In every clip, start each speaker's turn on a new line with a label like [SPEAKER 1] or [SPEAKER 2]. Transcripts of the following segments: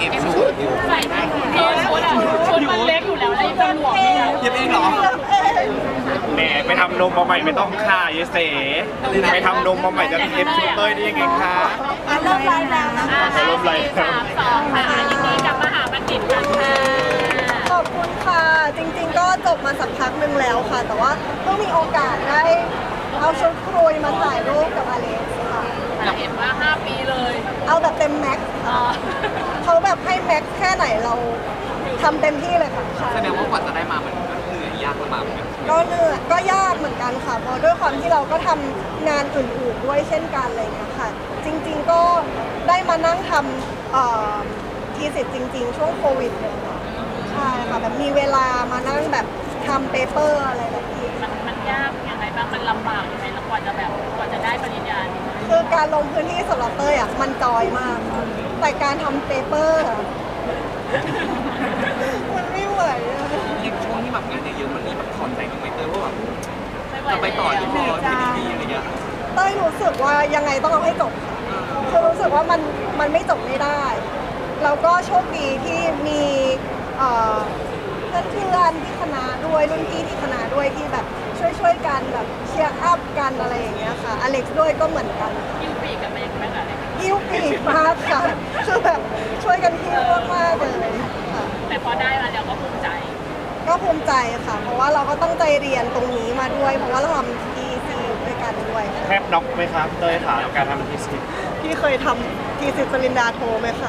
[SPEAKER 1] ก็บชุดใส่ได้ชุดมันเล็กอยู่แล้วแล้วจะหลวมไหมคะ
[SPEAKER 2] เย็บเองเหรอ
[SPEAKER 3] แหมไปทำนมมาใหม่ไม่ต้องค่าเยเสไปทำนมมาใหม่จะเอฟชุดเต้ยได้ยังไงคะ
[SPEAKER 4] เริ่มไลฟ์แล้วนะคะ
[SPEAKER 3] เริ่มไลฟ์
[SPEAKER 1] 3 2ค่ะยินดีกับมหาบัณฑิตกันค่ะ
[SPEAKER 4] ขอบคุณค่ะ จริงๆก็จบมาสักพักหนึ่งแล้วค่ะ แต่ว่าเพิ่งมีโอกาสได้เอาชุดครุยมาถ่ายรูปกับอเล็กซ์ค่ะ
[SPEAKER 1] เห็นว่า5 ปีเลย
[SPEAKER 4] เอาแบบเต็มแม็กซ์ค่ะเขาแบบให้แม็กซ์แค่ไหนเราทำเต็มที่เลยค่ะใช่
[SPEAKER 2] แสดงว่ากว่าจะได้มามันก็เหนื่อยยากลำบากเหมือนกัน
[SPEAKER 4] ก็เหนื่อยก็ยากเหมือนกันค่ะเพราะด้วยความที่เราก็ทำงานอื่นๆด้วยเช่นกันอะไรอย่างเงี้ยค่ะ จริงๆก็ได้มานั่งทำทีสิทธ์จริงๆ ช่วงโควิดเลยค่ะใช่ค่ะแบบมีเวลามานั่งแบบทำเปเปอร์อะไรแบบนี้
[SPEAKER 1] มันยากยังไงบ้างมันลำบากยังไงแล้วกว่าจะได้ปริญญานี้
[SPEAKER 4] คือการลงพื้นที่สำหรับเต้ยอ่ะมันจอยมากค่ะแต่การทำเปเปอร์อะ มันไม่ไหวอะ
[SPEAKER 2] ยิ่งช่วงที่แบบงานเยอะๆมันมีแบบถอนใจบ้างไหมเตยว่าแบบ
[SPEAKER 1] ไม่ไหว
[SPEAKER 2] จะไปต่อที่พอที่ดีๆอะไรเงี้ย
[SPEAKER 4] เต้ยรู้สึกว่ายังไงต้องเอาให้จบค่ะคือรู้สึกว่ามันไม่จบไม่ได้ แล้วก็โชคดีที่มีเพื่อนๆที่คณะด้วยรุ่นพี่ที่คณะด้วยที่แบบช่วยกันแบบเชียร์อัพกันอะไรอย่างเงี้ยค่ะอเล็กซ์ด้วยก็เหมือนกัน
[SPEAKER 1] ยิ้วปีกกันมายังไงบ้างอะไร
[SPEAKER 4] หิ้วปีกมากค่ะคือแบบช่วยกันหิ้วมากๆเลยค่ะ
[SPEAKER 1] แต่พอได้มาแล้วก็ภูมิใจ
[SPEAKER 4] ก็ภูมิใจค่ะ เพราะว่าเราก็ตั้งใจเรียนตรงนี้มาด้วย เพราะว่าเราทำ TC ด้วยกันด้วย
[SPEAKER 3] แทบน็อกไหมครับเต้ยถามการทำทีสิ
[SPEAKER 4] พี่เคยทำ TC ปริญญาโทไหมคะ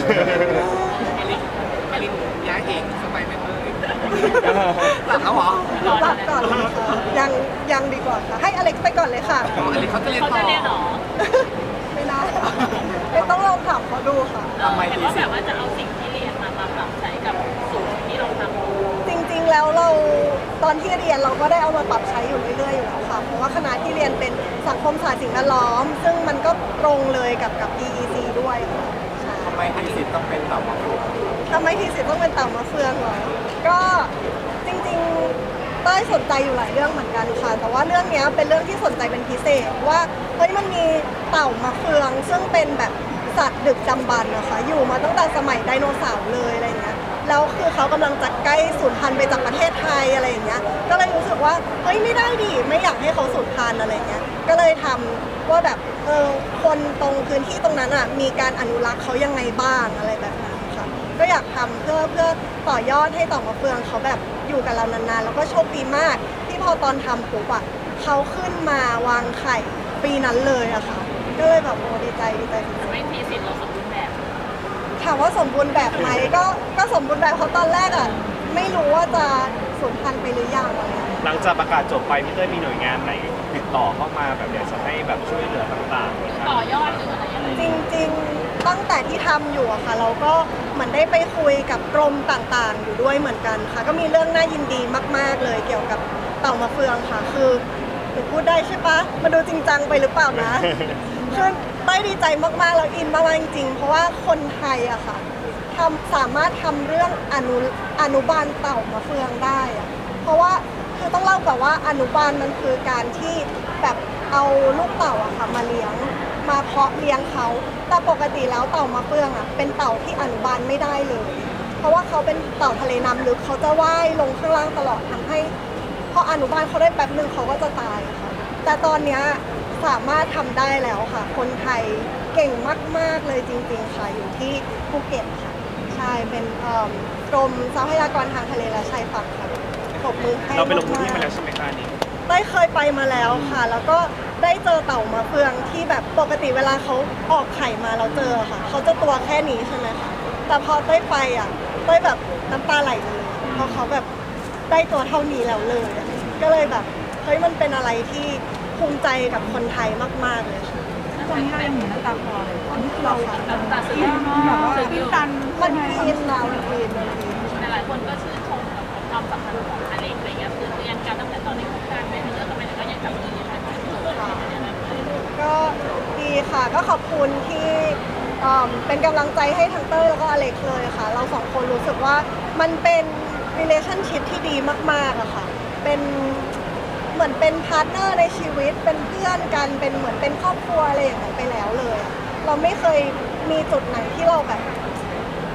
[SPEAKER 2] ไอรินย้ายเองสบายไหมเตยหลับแล้วเหรอ
[SPEAKER 4] หลับก่อนเลยค่ะยังดีกว่าค่ะ ให้อเล็กซ์ไปก่อนเลยค่ะ
[SPEAKER 2] อ๋อไอรินเขาจะเรียน
[SPEAKER 1] เขา
[SPEAKER 2] ต่อ
[SPEAKER 1] จะเรียนหรอ
[SPEAKER 4] ไม่น่าไม่ต้องลองถามเขาดูค่ะ
[SPEAKER 2] ทำไม
[SPEAKER 1] เห็น
[SPEAKER 2] ดี
[SPEAKER 1] ว่า
[SPEAKER 2] สิ
[SPEAKER 1] แบบว่าจะเอาสิ่งที่เรียนมาปรับใช้กับสูตรที่เราทำ
[SPEAKER 4] จริงๆ แล้วเราตอนที่เรียนเราก็ได้เอามาปรับใช้อยู่เรื่อยๆ อยู่แล้วค่ะ เพราะว่าคณะที่เรียนเป็นสังคมศาสตร์สิ่งแวดล้อม ซึ่งมันก็ตรงเลยกับ EEC ด้วยค่ะใช่
[SPEAKER 2] ทำไมทีสิทธ์ต้องเป็นแบบว่า
[SPEAKER 4] ทำไมทีสิทธ์ต้องเป็นเต่ามะเฟืองเหรอ ก็จริงๆ เต้ยสนใจอยู่หลายเรื่องเหมือนกันค่ะ แต่ว่าเรื่องเนี้ยเป็นเรื่องที่สนใจเป็นพิเศษว่าเฮ้ยมันมีเต่ามะเฟือง ซึ่งเป็นแบบสัตว์ดึกดำบรรพ์นะคะอยู่มาตั้งแต่สมัยไดโนเสาร์เลยอะไรเงี้ยแล้วคือเขากำลังจะใกล้สูญพันธุ์ไปจากประเทศไทยอะไรอย่างเงี้ยก็เลยรู้สึกว่าเฮ้ยไม่ได้ดิไม่อยากให้เขาสูญพันธุ์อะไรเงี้ยก็เลยทำว่าแบบคนตรงพื้นที่ตรงนั้นอ่ะมีการอนุรักษ์เขายังไงบ้างอะไรแบบนั้นค่ะก็อยากทำเพื่อต่อยอดให้เต่ามะเฟืองเขาแบบอยู่กับเรานานๆแล้วก็โชคดีมาก ที่พอตอนทำปุ๊บอ่ะเขาขึ้นมาวางไข่ปีนั้นเลยอะค่ะก็เลยแบบโอ้ดีใจสุดๆ
[SPEAKER 1] ไม่ทีสิทธิ์เราสมบูรณ์แบบ
[SPEAKER 4] ถามว่าสมบูรณ์แบบไหมก็สมบูรณ์แบบเพราะตอนแรกอ่ะไม่รู้ว่าจะสูญพันธุ์ไปหรือยังอะไรอย่างเงี้ย
[SPEAKER 3] หลังจากประกาศจบไปพี่เต้ยมีหน่วยงานไหนติดต่อเข้ามาแบบอยากจะให้แบบช่วยเหลือต่างๆไหมครับ
[SPEAKER 1] ต่อยอดหรืออะไรยังไง
[SPEAKER 4] จริงๆตั้งแต่ที่ทำอยู่อะค่ะ เราก็เหมือนได้ไปคุยกับกรมต่างๆ อยู่ด้วยเหมือนกันค่ะ ก็มีเรื่องน่ายินดีมากๆเลยเกี่ยวกับเต่ามะเฟืองค่ะ คือหนูพูดได้ใช่ปะมาดูจริงจังไปหรือเปล่านะ คือได้ดีใจมากๆแล้วอินมากๆจริงๆเพราะว่าคนไทยอะค่ะสามารถทำเรื่องอนุบาลเต่ามะเฟืองได้อะเพราะว่าคือต้องเล่าก่อนว่าอนุบาลมันคือการที่แบบเอาลูกเต่าอะค่ะมาเลี้ยงมาเพาะเลี้ยงเขาแต่ปกติแล้วเต่ามะเฟืองอะเป็นเต่าที่อนุบาลไม่ได้เลย เพราะว่าเขาเป็นเต่าทะเลน้ำลึกเขาจะว่ายลงข้างล่างตลอดทำให้พออนุบาลเขาได้แป๊บหนึ่งเขาก็จะตายค่ะแต่ตอนเนี้ยสามารถทำได้แล้วค่ะ คนไทยเก่งมากๆเลยจริงๆค่ะอยู่ที่ภูเก็ตค่ะใช่เป็นกรมทรัพยากรทางทะเลและชายฝั่งค่ะปรบมือให้
[SPEAKER 3] เราไปลงพื้นที่
[SPEAKER 4] กๆ
[SPEAKER 3] มาแล้วใช่ไหมคะอันนี้
[SPEAKER 4] ได้เคยไปมาแล้วค่ะ แล้วก็ได้เจอเต่ามะเฟืองที่แบบปกติเวลาเขาออกไข่มาเราเจอค่ะเขาจะตัวแค่นี้ใช่ไหมคะแต่พอเต้ยไปอ่ะเต้ยแบบน้ำตาไหลเลยเพราะเขาแบบได้ตัวเท่านี้แล้วเลยอะก็เลยแบบเฮ้ยมันเป็นอะไรที่ภูมิใจกับคนไทยมากๆเลยค่ะ
[SPEAKER 5] ตอนนี้เรายังเหมือนน้ำตาคลอเลยตอนนี้คือเรา
[SPEAKER 1] แบบตัดสิน
[SPEAKER 5] แบบว่าตื้นตัน
[SPEAKER 4] มันอินนะมันอิน
[SPEAKER 1] หลายคนก็ชื่นชมกับความสัมพันธ์ของอเล็กอะไรเงี้ยคือเรียนกันตั้งแต่ตอนในโครงการไม่เลิกกันไปไหนก็ยังจับมือยังไงกันอยู่อะไรอย่างเงี้ย
[SPEAKER 4] ก็ดีค่ะก็ขอบคุณที่เป็นกำลังใจให้ทั้งเต้ยแล้วก็อเล็กเลยค่ะ เราสองคนรู้สึกว่ามันเป็น relationship ที่ดีมากๆอะค่ะเป็นเหมือนเป็นพาร์ทเนอร์ในชีวิตเป็นเพื่อนกันเป็นเหมือนเป็นครอบครัวอะไรอย่างนั้นไปแล้วเลยอะเราไม่เคยมีจุดไหนที่เราแบบ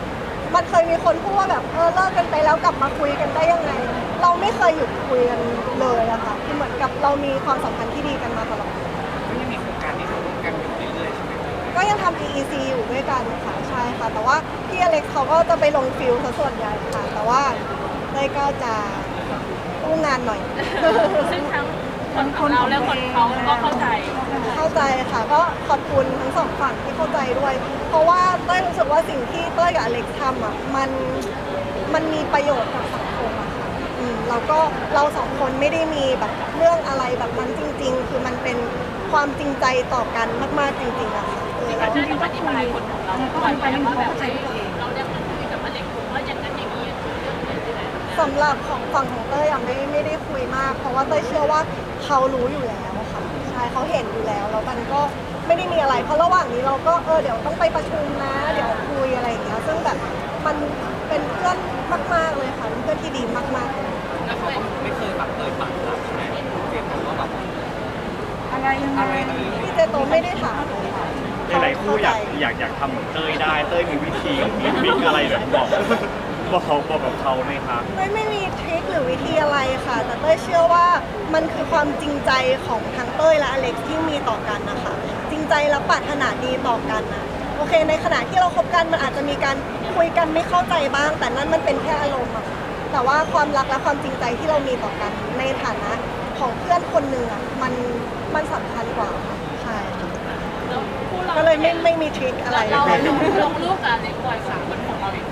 [SPEAKER 4] มันเคยมีคนพูดว่าแบบเลิกกันไปแล้วกลับมาคุยกันได้ยังไง เราไม่เคยหยุดคุยกันเลยอะค่ะคือเหมือนกับเรามีความสัมพันธ์ที่ดีกันมาตลอด
[SPEAKER 2] ก็ยังมีโครงการที่ทำร่วมกันอยู่เรื่อยๆใช่ไหม
[SPEAKER 4] ก็ยังทำ EEC อยู่ด้วยกันค่ะใช่ค่ะ แต่ว่าพี่อเล็กซ์เขาก็จะไปลงฟิลซะส่วนใหญ่ค่ะ แต่ว่าเต้ยก็จะอู้งานหน่อย
[SPEAKER 1] ซึ่งทั้งคนของเราและคนเขาก็เข้าใจ
[SPEAKER 4] เข้าใจค่ะ ก็ขอบคุณทั้งสองฝั่งที่เข้าใจด้วย เพราะว่าเต้ยรู้สึกว่าสิ่งที่เต้ยกับอเล็กซ์ทำอ่ะมันมีประโยชน์กับสังคมอะค่ะแล้วก็เราสองคนไม่ได้มีแบบเรื่องอะไรแบบนั้นจริง ๆ คือมันเป็นความจริงใจต่อกันมากๆจริงๆอะค่ะเรา
[SPEAKER 1] จริงๆอธิบายคนของเราก่อนไปว่าแบบเราได้มาคุยกับอเล็กว่าอย่างนั้นอย่างนี้คือเรื่องนี้ใช่ไหม
[SPEAKER 4] สำหรับของฝั่งของเต้ยอะไม่ได้คุยมาก เพราะว่าเต้ยเชื่อว่าเขารู้อยู่แล้วค่ะใช่เขาเห็นอยู่แล้วแล้วมันก็ไม่ได้มีอะไร เพราะระหว่างนี้เราก็เดี๋ยวต้องไปประชุมนะเดี๋ยวคุยอะไรอย่างเงี้ยซึ่งแบบมันเป็นเพื่อนมากๆเลยค่ะเป็นเพื่อนที่ดีมากๆเลย
[SPEAKER 2] แล้วเขาก็ไม่เคยแบบเอ่ยปากเราใช่ไหมเจมส์ว่าแบบ
[SPEAKER 5] อะไรยังไง
[SPEAKER 2] อะไรดี
[SPEAKER 4] พี่เจโตไม่ได้ถามเลยค่ะ
[SPEAKER 3] หลายๆคู่อยากทำเหมือนเต้ยได้เต้ยมีวิธีมีทริคอะไรแบบบอกกับเขาไหมคะ
[SPEAKER 4] ไม่มีทริคหรือวิธีอะไรค่ะ แต่เต้ยเชื่อว่ามันคือความจริงใจของทั้งเต้ยและอเล็กซ์ที่มีต่อกันนะคะจริงใจและปรารถนาดีต่อกันนะโอเคในขณะที่เราคบกันมันอาจจะมีการคุยกันไม่เข้าใจบ้าง แต่นั่นมันเป็นแค่อารมณ์อะแต่ว่าความรักและความจริงใจที่เรามีต่อกันในฐานะของเพื่อนคนหนึ่งอะมันสำคัญกว่าค่ะใช่
[SPEAKER 1] แล้วคู่เรา
[SPEAKER 4] ก็เลยไม่มีทริคอะไร
[SPEAKER 1] เราลงรูปกับอเล็กบ่อยกว่าคนของเราอีก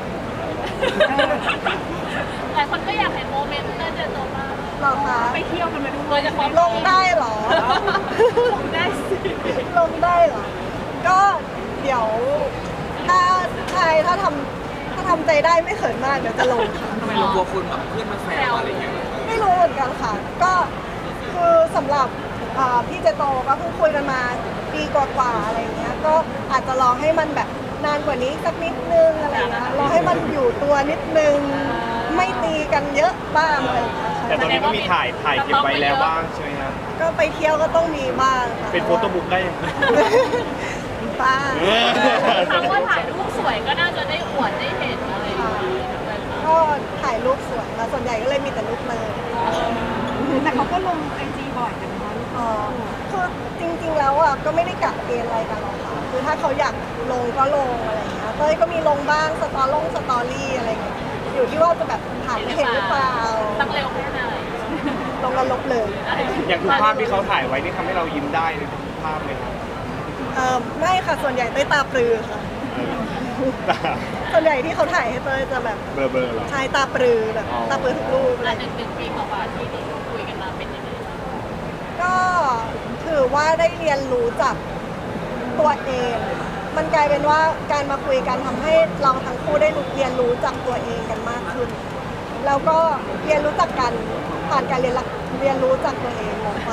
[SPEAKER 1] หลายคนก็อยากเห็นโมเมนต์เต้ยเจอตัวมาก
[SPEAKER 4] หรอคะ
[SPEAKER 1] ไปเที่ยวกันมาด้วยจะพร้อม
[SPEAKER 4] ลงได้เหรอ
[SPEAKER 1] ลงได้สิ
[SPEAKER 4] ลงได้เหรอ ก็เดี๋ยวถ้าใช่ถ้าทำใจได้ไม่เขินมากเดี๋ยวจะลงค่ะ
[SPEAKER 2] ทำไมเรากลัวคุณแบบเพื่อนมาแซวอะไรอย่างเงี้ย
[SPEAKER 4] ไม่รู้เหมือนกันค่ะ ก็คือสำหรับพี่เจโตก็เพิ่งคุยกันมาปีกว่าๆอะไรอย่างเงี้ย ก็อาจจะรอให้มันแบบนานกว่านี้สักนิดนึงอะไรอย่างเงี้ยรอให้มันอยู่ตัวนิดนึง ไม่ตีกันเยอะบ้างอะไรอย่างเงี้ย
[SPEAKER 3] แต่ตอนนี้ก็มีถ่ายเก็บไว้แล้วบ้างใช่ไหมครับ
[SPEAKER 4] ก็ไปเที่ยวก็ต้องมีบ้างค่ะ
[SPEAKER 3] เป็นโฟโต้บุ๊กได้ยัง
[SPEAKER 4] บ้าง
[SPEAKER 1] ครั้งว่าถ่ายรูปสวยก็น่าจะได้อวดได้เห็นอะไรอย่างเงี้ย
[SPEAKER 4] ก็ถ่ายรูปสวยค่ะส่วนใหญ่ก็เลยมีแต่รูปเลย
[SPEAKER 5] แต่เขาก็ลงไอจีบ่อยนะคะ
[SPEAKER 4] อ๋อคือจริงๆแล้วอ่ะก็ไม่ได้กะเกณฑ์อะไรกันหรอกค่ะคือถ้าเขาอยากลงก็ลงอะไรอย่างเงี้ยเต้ยก็มีลงบ้างสตอรี่อะไรอย่างเงี้ยอยู่ที่ว่าจะแบบผ่านเห็นหรือเปล่า
[SPEAKER 1] ตั้งเร็วแค่ไหน
[SPEAKER 4] ลงกันลบเลย
[SPEAKER 3] อย่างทุกภาพที่เขาถ่ายไว้นี่ทำให้เรายิ้มได้เลยทุกภาพเลยครับ
[SPEAKER 4] ไม่ค่ะส่วนใหญ่เต้ยตาปรือค่ะ ส่วนใหญ่ที่เขาถ่ายให้เต้ยจะแบบ
[SPEAKER 3] เบลอๆเหรอ
[SPEAKER 4] ใช้ตาปรือแบบ
[SPEAKER 3] อ๋อ
[SPEAKER 4] ตาปรือทุกรูปอะไร
[SPEAKER 1] หนึ่งปีกว่าที่คุยกันมาเป็นยังไง
[SPEAKER 4] ก็ถือว่าได้เรียนรู้จากตัวเอง มันกลายเป็นว่าการมาคุยกันทำให้เราทั้งคู่ได้เรียนรู้จากตัวเองกันมากขึ้น แล้วก็เรียนรู้จักกันผ่านการเรียนรู้จากตัวเองงงปะ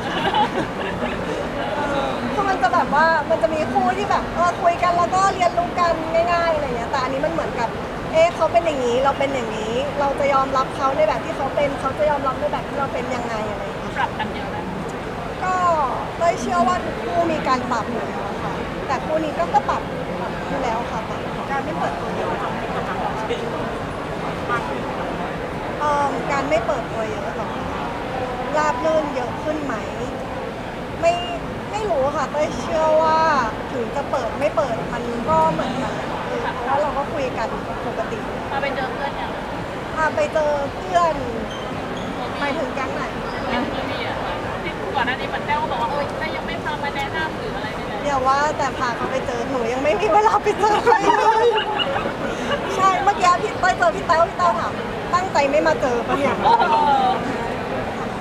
[SPEAKER 4] คือมันจะแบบว่ามันจะมีคู่ที่แบบคุยกันแล้วก็เรียนรู้กันง่ายๆอะไรเงี้ยแต่อันนี้มันเหมือนกับเขาเป็นอย่างนี้เราเป็นอย่างนี้ เราจะยอมรับเขาในแบบที่เขาเป็นเขาจะยอมรับในแบบที่เราเป็นยังไงอะไรอย่างเงี้ย
[SPEAKER 1] ปรับกันเยอะนะ
[SPEAKER 4] ก็เต้ยเชื่อว่าทุกคู่มีการปรับอยู่แล้วค่ะ แต่คู่นี้ก็ปรับอยู่แล้วค่ะปรับการไม่เปิดตัวเยอะการไม่เปิดตัวเยอะหรอราบรื่นเยอะขึ้นไหม ไม่รู้ค่ะเต้ยเชื่อว่าถึงจะเปิดไม่เปิดมันก็เหมือนกันเพราะว่าเราก็คุยกันปกติ
[SPEAKER 1] พาไปเจอเพื่อนอย่าง
[SPEAKER 4] พาไปเจอเพื่อนไปถึงแก๊งไหน
[SPEAKER 1] ยังไม่มีอ่ะที่ก่อนหน้านี้มันแต้วบอกว่าแต่ยังไม่พามาแนะนำหรืออะไรเลย
[SPEAKER 4] เดี๋ยวว่าแต่พาเขาไปเจอหนูยังไม่มีเวลาไปเจอใครเลยใช่เมื่อกี้พี่เต้ยเจอพี่เต้าถามตั้งใจไม่มาเจอปะเนี่ย